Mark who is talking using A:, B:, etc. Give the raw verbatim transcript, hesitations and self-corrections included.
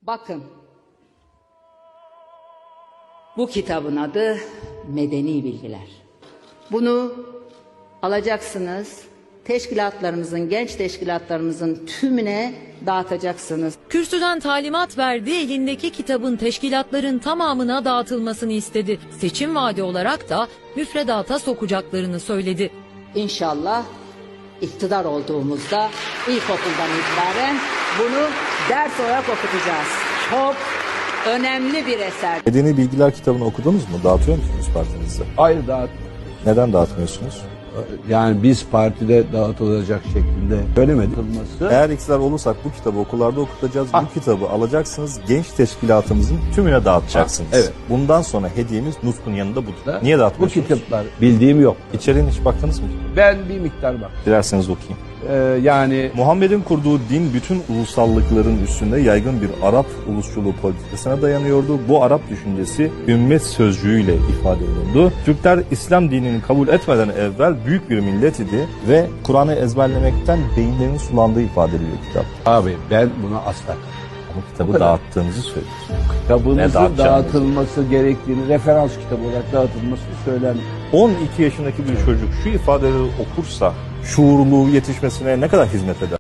A: Bakın, bu kitabın adı Medeni Bilgiler. Bunu alacaksınız, teşkilatlarımızın, genç teşkilatlarımızın tümüne dağıtacaksınız.
B: Kürsüden talimat verdi, elindeki kitabın teşkilatların tamamına dağıtılmasını istedi. Seçim vaadi olarak da müfredata sokacaklarını söyledi.
A: İnşallah iktidar olduğumuzda ilkokuldan itibaren bunu ders olarak okutacağız. Çok önemli bir eser.
C: Medeni Bilgiler kitabını okudunuz mu? Dağıtıyor musunuz partinizde?
D: Hayır, dağıt.
C: Neden dağıtmıyorsunuz?
D: Yani biz partide dağıtılacak şeklinde söylemedik.
C: Eğer iktidar olursak bu kitabı okullarda okutacağız. Bu kitabı alacaksınız, genç teşkilatımızın tümüne dağıtacaksınız.
D: Evet.
C: Bundan sonra hediyemiz Nutkun yanında budur.
D: Da,
C: Niye
D: bu
C: dağıtmıyorsunuz?
D: kitaplar bildiğim yok.
C: İçeriğine hiç baktınız mı?
D: Ben bir miktar bak.
C: Dilerseniz okuyayım.
D: Ee, yani
C: Muhammed'in kurduğu din bütün ulusallıkların üstünde yaygın bir Arap ulusçuluğu politikasına dayanıyordu. Bu Arap düşüncesi ümmet sözcüğüyle ifade edildi. Türkler İslam dinini kabul etmeden evvel büyük bir millet idi ve Kur'an'ı ezberlemekten beyinlerinin sulandığı ifade ediliyor kitap.
D: abi ben buna asla
C: Ama kitabı
D: kadar.
C: dağıttığınızı söylüyorsun. Ne
D: kitabımızın
C: dağıtacağınızı.
D: dağıtılması gerektiğini, referans kitabı olarak dağıtılması söylenmiyor.
C: on iki yaşındaki bir çocuk şu ifadeleri okursa şuurlu yetişmesine ne kadar hizmet eder?